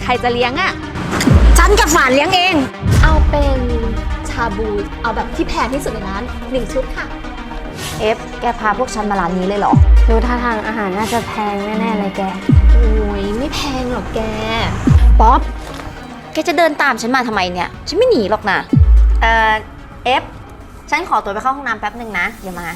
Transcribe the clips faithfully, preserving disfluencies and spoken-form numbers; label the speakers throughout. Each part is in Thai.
Speaker 1: รจะเลี้ยงอะ
Speaker 2: ฉันกับฝานเลี้ยงเอง
Speaker 1: เอาเป็นชาบูเอาแบบที่แพงที่สุดในร้านหนึ่งชุดค่ะ
Speaker 2: เอฟแกพาพวกฉันมาร้านนี้เลยเหรอ
Speaker 3: ดูท่าทางอาหารน่าจะแพงแน่ๆเลยแก
Speaker 1: โอ้ยไม่แพงหรอกแก
Speaker 2: ป๊อปแกจะเดินตามฉันมาทำไมเนี่ยฉันไม่หนีหรอกนะเอ่อเอฟฉันขอตัวไปเข้าห้องน้ำแป๊บหนึ่งนะเดี๋ยวมา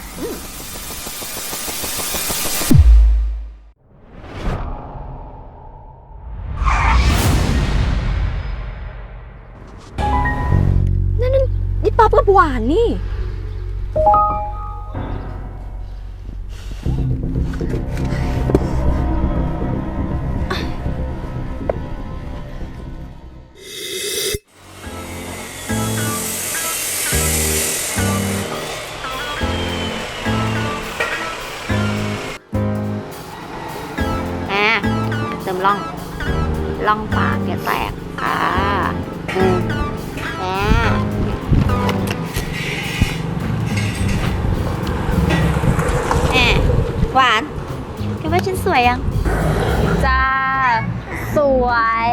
Speaker 1: นั่นนั่นนี่ป๊อปกับหวานนี่
Speaker 2: เติมล่องล่องปากอย่าแตกค่ะอืมแหมแหมหวานแกว่าฉันสวยยัง
Speaker 3: จ้าสวย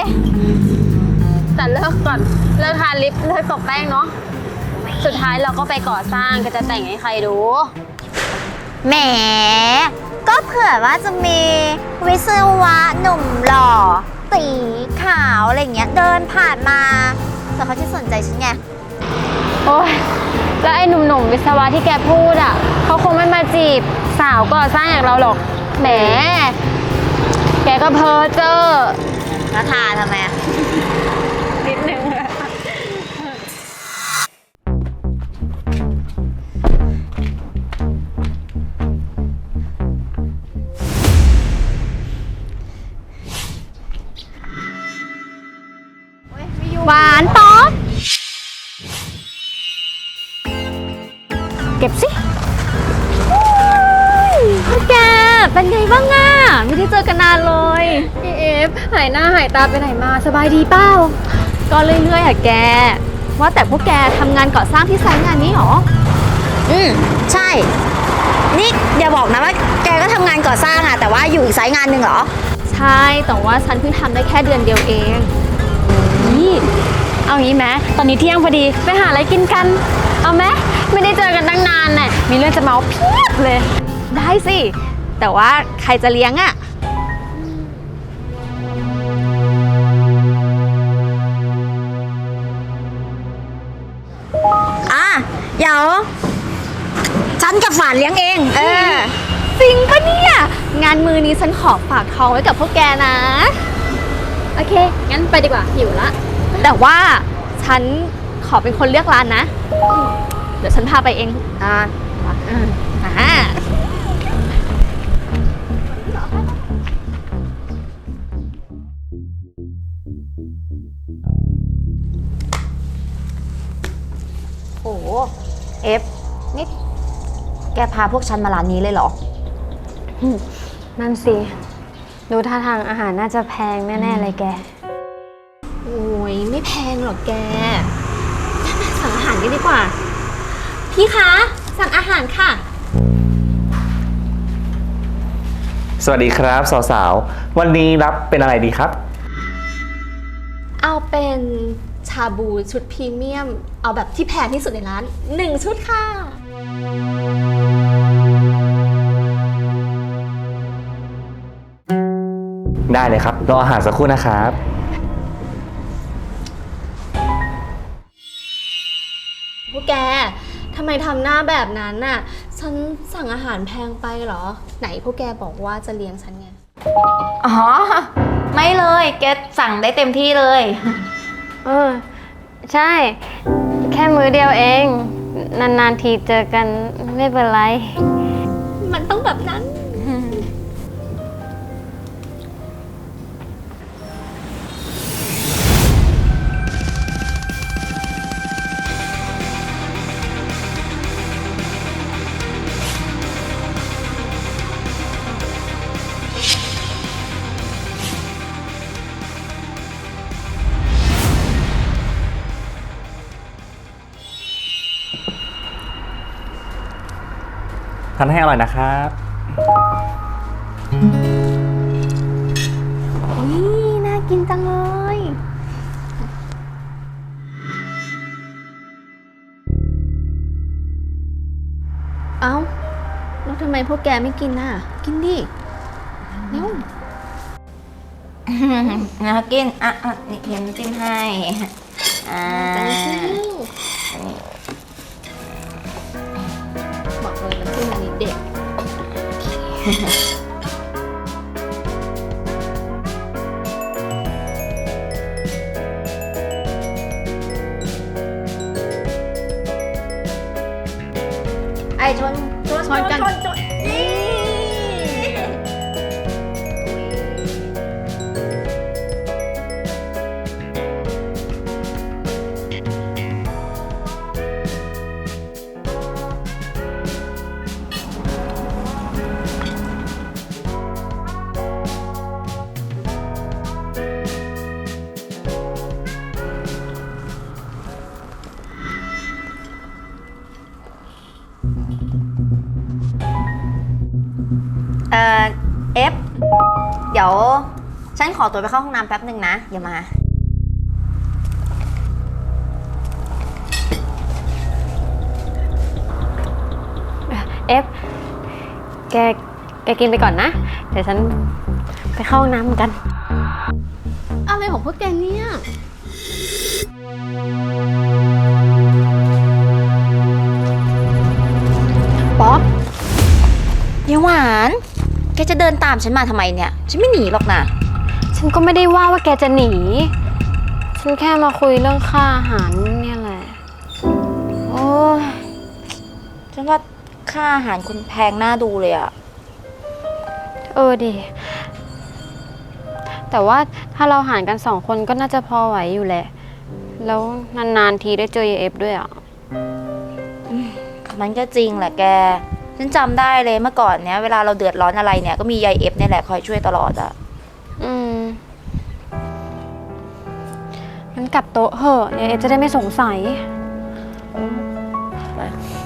Speaker 3: แต่เลิกก่อนเลิกทาลิปเลิกตบแป้งเนาะสุดท้ายเราก็ไปก่อสร้างก็จะแต่งให้ใครดู
Speaker 2: แหมก็เผื่อว่าจะมีวิศวะหนุ่มหล่อตีขาวอะไรเงี้ยเดินผ่านมาแต่เขาจะสนใจฉันไง
Speaker 3: โอ้ยแล้วไอ้หนุ่มๆวิศวะที่แกพูดอ่ะเขาคงไม่มาจีบสาวก่อสร้างอย่างเราหรอกแหมแกก็เพ้อเจ้อ
Speaker 2: แล้วทาทำไม
Speaker 3: นิดนึง
Speaker 1: หวานป๊อปเก็บสิพ่อแกเป็นไงบ้างอ่ะไม่ได้เจอกันนานเลย
Speaker 3: พี่เอฟหายหน้าหายตาไปไหนมาสบายดีเปล่า
Speaker 1: ก็เรื่อยๆอะแกว่าแต่พวกแกทำงานก่อสร้างที่ไซต์งานนี้หรอ
Speaker 2: อืมใช่นี่อย่าบอกนะว่าแกก็ทำงานก่อสร้างอะแต่ว่าอยู่อีกไซต์งานหนึ่งเหรอ
Speaker 1: ใช่แต่ว่าฉันเพิ่งทำได้แค่เดือนเดียวเอง
Speaker 3: นี่เอางี้ไหมตอนนี้เที่ยงพอดีไปหาอะไรกินกันเอาไหมไม่ได้เจอกันตั้งนานน่ะมีเรื่องจะเมาเพียบเลย
Speaker 1: ได้สิแต่ว่าใครจะเลี้ยงอะ
Speaker 2: อ่ะเดี๋ยวฉันกับฝานเลี้ยงเองเออ
Speaker 1: จริงปะเนี่ยงานมือนี้ฉันขอฝากท้องไว้กับพวกแกนะ
Speaker 3: โอเคงั้นไปดีกว่าหิวละ
Speaker 1: แต่ว่าฉันขอเป็นคนเลือกร้านนะเดี๋ยวฉันพาไปเอง
Speaker 2: อ่า
Speaker 1: อ่า
Speaker 2: โอ้เอฟนี่แกพาพวกฉันมาร้านนี้เลยเหรอ
Speaker 3: นั่นสิดูท่าทางอาหารน่าจะแพงแน่ๆเลยแก
Speaker 1: โอ้ยไม่แพงหรอกแกสั่งอาหารกันดีกว่าพี่คะสั่งอาหารค่ะ
Speaker 4: สวัสดีครับสาวๆวันนี้รับเป็นอะไรดีครับ
Speaker 1: เอาเป็นชาบูชุดพรีเมียมเอาแบบที่แพงที่สุดในร้านหนึ่งชุดค่ะ
Speaker 4: ได้เลยครับรออาหารสักครู่นะครับ
Speaker 1: พวกแกทำไมทำหน้าแบบนั้นน่ะฉันสั่งอาหารแพงไปเหรอไหนพวกแกบอกว่าจะเลี้ยงฉันไง
Speaker 2: อ๋อไม่เลยแกสั่งได้เต็มที่เลย
Speaker 3: เออใช่แค่มื้อเดียวเองนานๆทีเจอกันไม่เป็นไร
Speaker 1: มันต้องแบบนั้น
Speaker 4: ทานให้อร่อยนะครับ
Speaker 2: นี่น่ากินจังเลย
Speaker 1: เอ้า แล้วทำไมพวกแกไม่กินน่ะ กินดิเร็ว
Speaker 2: นะกิน อ่ะอ่ะนี่เห็นจิ้มให้ อ่า
Speaker 1: จังซิบอกเลยน้ำจิ้มอันนี้เด็ด
Speaker 2: ไอ้ชนชน
Speaker 1: ชนกัน
Speaker 2: ชนชนนี่ เอ่อ เอฟ เดี๋ยว ฉันขอตัวไปเข้าห้องน้ำแป๊บหนึ่งนะ อย่ามา
Speaker 3: เอฟ แก แกกินไปก่อนนะ เดี๋ยวฉันไปเข้าห้องน้ำเหมือนกัน
Speaker 1: อะไรของพวกแกเนี่ย
Speaker 2: ป๊อปเดี๋ยวหวาน แกจะเดินตามฉันมาทำไมเนี่ย ฉันไม่หนีหรอกนะ
Speaker 3: ฉันก็ไม่ได้ว่าว่าแกจะหนี ฉันแค่มาคุยเรื่องค่าอาหารเนี่ยแหละ
Speaker 2: โอ้ยฉันว่าค่าอาหารคุณแพงน่าดูเลยอะ
Speaker 3: เออดิ แต่ว่าถ้าเราหารกันสองคนก็น่าจะพอไหวอยู่แหละ แล้วนานๆทีได้เจอยายเอฟด้วยอ่ะ
Speaker 2: มันก็จริงแหละแก ฉันจำได้เลยเมื่อก่อนเนี้ยเวลาเราเดือดร้อนอะไรเนี่ยก็มียายเอฟเนี่ยแหละคอยช่วยตลอดอะ
Speaker 3: อืมงั้นกลับโต๊ะเหอะยายเอฟจะได้ไม่สงสัย
Speaker 2: ไป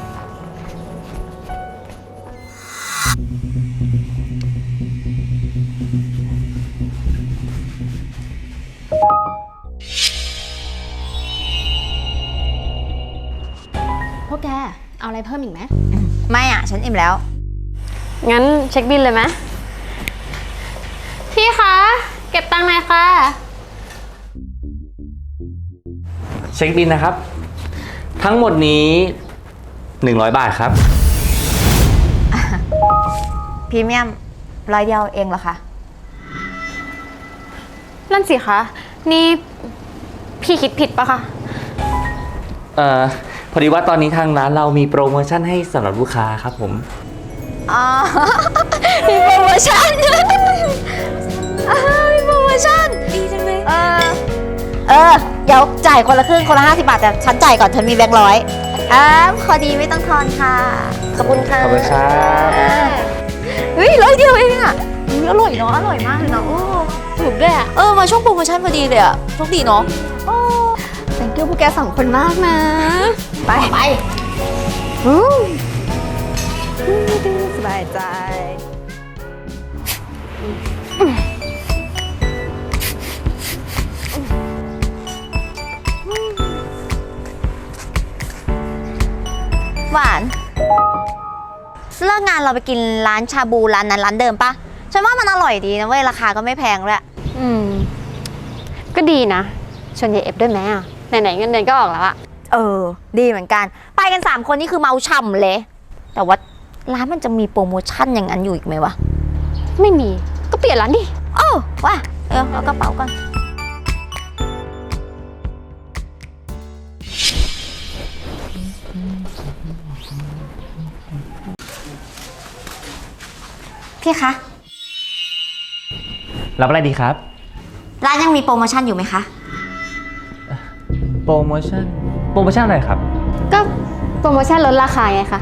Speaker 1: พวกแก เอาอะไรเพิ่มอีกไหม
Speaker 2: ไม่อะฉันอิ่มแล้ว
Speaker 3: งั้นเช็คบิลเลยไหมพี่คะ เก็บตังค์หน่อยค่ะ
Speaker 4: เช็คบินนะครับ ทั้งหมดนี้หนึ่งร้อยบาทครับ
Speaker 2: พรีเมียมร้อยเดียวเองเหรอคะ
Speaker 3: นั่นสิคะ นี่พี่คิดผิดปะคะ
Speaker 4: เอ่อ พอดีว่าตอนนี้ทางร้านเรามีโปรโมชั่นให้สำหรับลูกค้าครับผม
Speaker 2: อ๋อ มีโปรโมชั่น อ่ามีโปรโมชั่น ดีจังเลย เออ เออ เดี๋ยวจ่ายคนละครึ่งคนละห้าสิบบาทแต่ฉันจ่ายก่อนฉันมีแบงค์ร้อยอ่าพอดีไม่ต้องทอนค่ะ ขอบคุณค่ะ
Speaker 4: ขอบคุณครับ
Speaker 2: อ่าเฮ้ยร้อยเดียวเองอ่ะอุ๊ยอร่อยเนาะ อร่อยมากเลยเนาะโอ้ถูกด้วยอ่ะ เออ มาช่วงโปรโมชั่นพอดีเลยอ่ะโชคดีเนาะโอ้
Speaker 1: thank you พวกแกสองคนมากนะ
Speaker 2: ไป ไป
Speaker 1: สบายใจ
Speaker 2: หวาน เลิกงานเราไปกินร้านชาบูร้านนั้นร้านเดิมปะฉันว่ามันอร่อยดีนะเว้ยราคาก็ไม่แพงด้วย
Speaker 3: อืม ก็ดีนะ ชวนยายเอฟด้วยไหมอ่ะ ไหนๆเงินเดือนก็ออกแล้วอะ
Speaker 2: เออ ดีเหมือนกัน ไปกันสามคนนี่คือเมาช่ำเลย แต่ว่าร้านมันจะมีโปรโมชั่นอย่างนั้นอยู่อีกไหมวะ
Speaker 3: ไม่มี ก็เปลี่ยนร้านดิ
Speaker 2: โอ้ว่ะเออเอากระเป๋าก่อนพี่คะ
Speaker 4: รับอะไรดีครับ
Speaker 2: ร้านยังมีโปรโมชั่นอยู่ไหมคะ
Speaker 4: โปรโมชั่น โปรโมชั่นอะไรครับ
Speaker 3: ก็โปรโมชั่นลดราคาไงคะ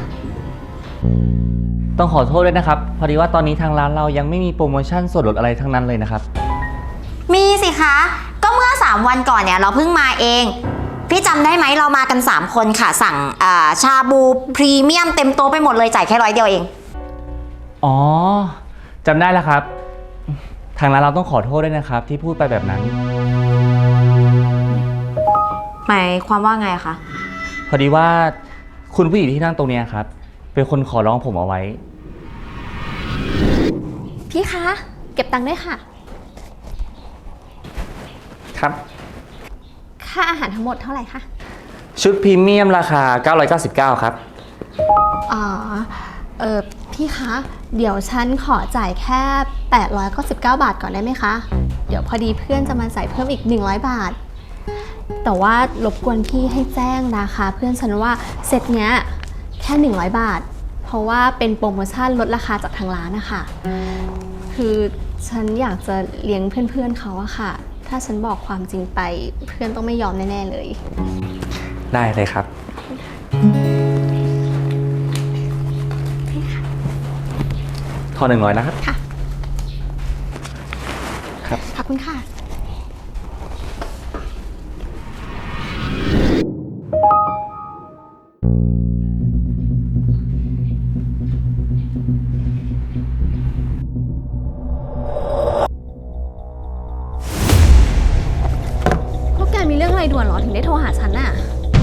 Speaker 4: ต้องขอโทษด้วยนะครับ พอดีว่าตอนนี้ทางร้านเรายังไม่มีโปรโมชั่นส่วนลดอะไรทั้งนั้นเลยนะครับ
Speaker 2: มีสิคะ ก็เมื่อสามวันก่อนเนี่ยเราเพิ่งมาเอง พี่จำได้ไหมเรามากันสามคนค่ะ สั่งอ่าชาบูพรีเมียมเต็มโต๊ะไปหมดเลยจ่ายแค่ร้อยเดียวเอง
Speaker 4: อ๋อ จำได้แล้วครับ พทางร้านเราต้องขอโทษด้วยนะครับ ที่พูดไปแบบนั้น
Speaker 2: หมายความว่าไงคะ
Speaker 4: พอดีว่าคุณผู้หญิงที่นั่งตรงเนี้ยครับ เป็นคนขอร้องผมเอาไว้
Speaker 1: พี่คะ เก็บตังค์ด้วยค่ะ
Speaker 4: ครับ
Speaker 1: ค่าอาหารทั้งหมดเท่าไหร่คะ
Speaker 4: ชุดพรีเมียมราคา เก้าร้อยเก้าสิบเก้า ครับ
Speaker 1: อ๋อ เออพี่คะ เดี๋ยวฉันขอจ่ายแค่แปดร้อยเก้าสิบเก้าบาทก่อนได้ไหมคะ เดี๋ยวพอดีเพื่อนจะมาใส่เพิ่มอีกหนึ่งร้อยบาท แต่ว่ารบกวนพี่ให้แจ้งนะคะ เพื่อนฉันว่าเซตเนี้ยแค่หนึ่งร้อยบาท เพราะว่าเป็นโปรโมชั่นลดราคาจากทางร้านนะคะคือฉันอยากจะเลี้ยงเพื่อนๆเขาอะค่ะ ถ้าฉันบอกความจริงไปเพื่อนต้องไม่ยอมแน่ๆเลย
Speaker 4: ได้เลยครับ ทอนหนึ่งร้อยนะครับ
Speaker 1: ค่ะ
Speaker 4: ครับ
Speaker 1: ขอบคุณค่ะ พวกแกมีเรื่องอะไรด่วนเหรอ ถึงได้โทรหาฉันน่ะ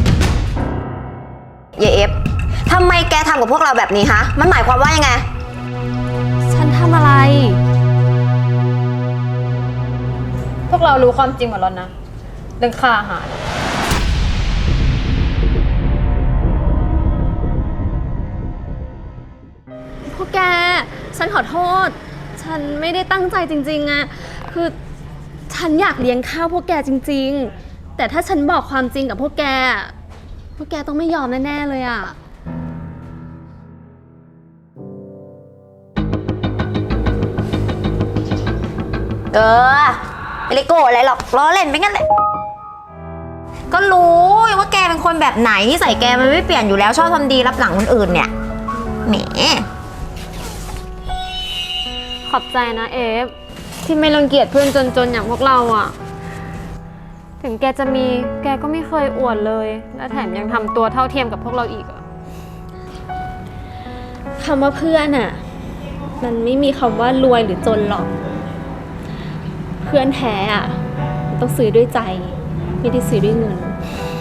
Speaker 2: เยเอฟทำไมแกทำกับพวกเราแบบนี้ฮะ มันหมายความว่ายังไง
Speaker 1: ฉันทำอะไร
Speaker 3: พวกเรารู้ความจริงหมดแล้วนะ เรื่องค่าอาหาร
Speaker 1: พวกแก ฉันขอโทษ ฉันไม่ได้ตั้งใจจริงๆอะคือฉันอยากเลี้ยงข้าวพวกแกจริงๆ แต่ถ้าฉันบอกความจริงกับพวกแก พวกแกต้องไม่ยอมแน่ๆเลยอะ
Speaker 2: เออไม่ได้โกรธอะไรหรอกล้อเล่นไปงั้นแหละ ก็รู้ว่าแกเป็นคนแบบไหนนิสัยแกมันไม่เปลี่ยนอยู่แล้วชอบทำดีรับหลังคนอื่นเนี่ยแหม
Speaker 3: ขอบใจนะเอฟ ที่ไม่รังเกียจเพื่อนจนๆอย่างพวกเราอะถึงแกจะมีแกก็ไม่เคยอวดเลย และแถมยังทำตัวเท่าเทียมกับพวกเราอีกอะ
Speaker 1: คำว่าเพื่อนอะมันไม่มีคำว่ารวยหรือจนหรอก เพื่อนแท้อะมันต้องซื้อด้วยใจ ไม่ได้ซื้อด้วยเงิน